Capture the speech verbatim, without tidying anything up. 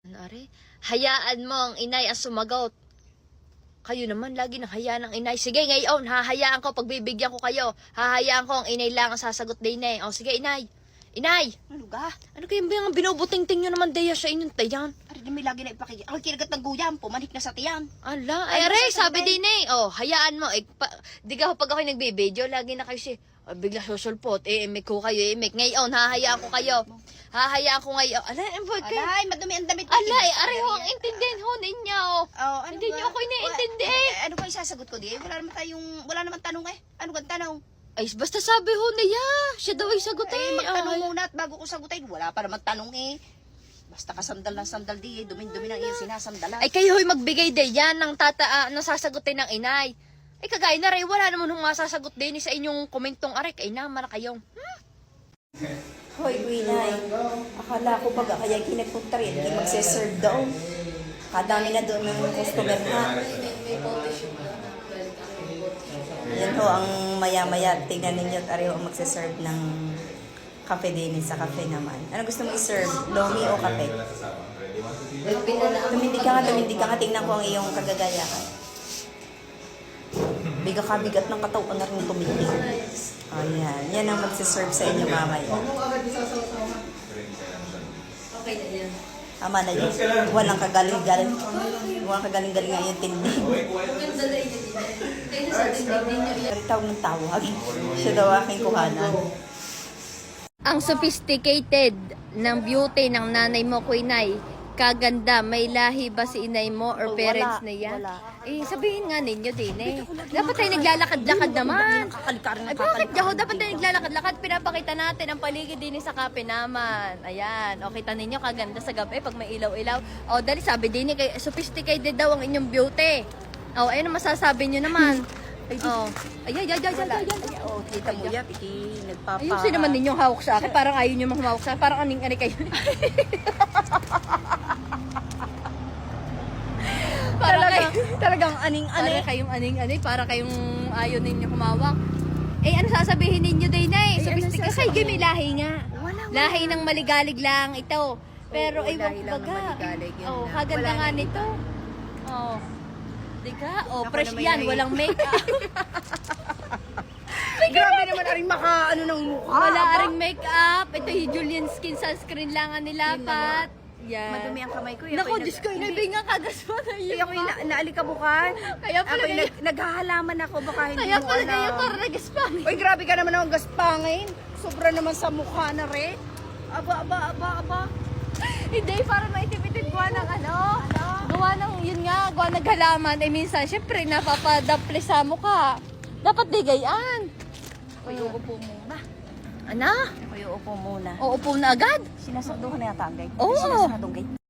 Ano, are? Hayaan mo ang inay ang sumagot. Kayo naman lagi nang hayaan ng inay. Sige, ngayon, hahayaan ko, pagbibigyan ko kayo. Hahayaan ko ang inay lang ang sasagot din eh. O sige, inay. Inay! Ano ga? Ano kayo ba yung binubuting-ting nyo naman Deya sa inyong tayan? Ari na may lagi na ipakikita. Ang kinagat ng guyam, pumanik na sa tiyan. Ala, Ay, ay, aray, nasa sabi tabi. din eh. Oh, hayaan mo. Eh, pa, di ka pag ako nagbibideo, lagi na kayo si, oh, bigla susulpot. Eh, imik ko kayo, imik. Ngayon, hahayaan ko kayo. Hahayaan ko ngayon. Ala, eh, boy, kayo. Alay, madumi ang damit. Ala, eh, aray ho, ang intindihan ho ninyo. Oh, ano Hindi ba? niyo ako iniintindi. Wa- eh, Ano ba isasagot ko di? Wala naman tayong, wala naman tanong eh. Ano kang tanong? Ay, basta sabi ho niya. Siya daw ay sagot Eh, eh. magtanong Ay. muna at bago ko sagutin. Wala pa naman tanong eh. Basta kasandal na sandal di eh. Dumin-dumi ng iyong sinasandalan. Ay, kayo ho'y magbigay din yan ng tata, ah, ng sasagutin ng inay. Ay, kagaya na rin, wala naman hong masasagot din sa inyong komentong aray. Ay, naman na kayong. Hoy, Winay. Akala ko baga kaya kinagpunta rin. Hindi magsiserve daw. Kadami na doon ng customer na. Yan ho, ang maya-maya. Tingnan ninyo at ari ho ang magsiserve ng kape din sa kape naman. Ano gusto mo i-serve? Lomi o kape? Tumindig ka nga, tumindig ka nga. Tingnan ko ang iyong kagagayahan. Biga ka, bigat ng katawan na rin tumindig. Ayan. Yan ang magsiserve sa inyo mamaya. Okay na yan. Tama na yun. Walang kagaling-galing. Walang kagaling-galing nga yung tindig. Tawag ng tawag. Siya daw aking kuhanan. Ang sophisticated ng beauty ng nanay mo, Kuinay, kaganda, may lahi ba si inay mo or Oh, parents wala, niya? wala. Eh, sabihin nga ninyo din eh. Dapat tayo naglalakad-lakad naman. Kakalikarin Ay, bakit Jaho? Dapat tayo naglalakad-lakad. Pinapakita natin ang paligid din sa kape naman. Ayan. O, kita ninyo, kaganda sa gabi pag may ilaw-ilaw. O, dali, sabi din eh, kay- sophisticated daw ang inyong beauty. O, ayun ang masasabi nyo naman. O, ay, ay, ay, ay, ay, ay, ay. Oh, kita mo yan, piki, nagpapa... Ayusin naman ninyong hawak sa akin. Parang ayaw nyo mahumawak sa akin. Parang aning-ani kayo. Para Talaga, kayo, talagang aning-ani. para kayong aning-ani, para kayong ayaw ninyo humawak. Eh, ano sasabihin ninyo din na eh? Eh, ano Sophisticated. Kasi sasabihin? may lahi nga. Wala, wala. Lahi ng maligalig lang ito. Pero Oo, ay lahi wag lang ng baga. maligalig, yun Oh, lang. kaganda Wala nga na nito. Oh. Di ka? Oh, Ako fresh na may yan, lahi. walang make-up. Grabe naman aring maka, ano ng mukha. Wala aba. ring make-up. Ito yung Julian Skin Sunscreen lang ang nilapat. Yan. Madumi ang kamay ko. Naku, Diyos ko, inabing nga kagas mo na yun. Kaya ako yung na, naalikabukan. Kaya pala Ako yung kayo- nag, naghahalaman ako, baka hindi Kaya mo pala alam. kayo tarnagas pa. Uy, grabe ka naman ang gaspangin. Sobra naman sa mukha na rin. Aba, aba, aba, aba. Hindi, para maitipitid gawa ng ano. Gawa ng, yun nga, gawa ng halaman. Eh, minsan, syempre, napapadapli sa mukha. Dapat digayaan. Uy, uupo muna. Ano? Uy, uupo muna. Uupo na agad? Sinasaduhan na yata ang gate. Oo. Sinasadong gate.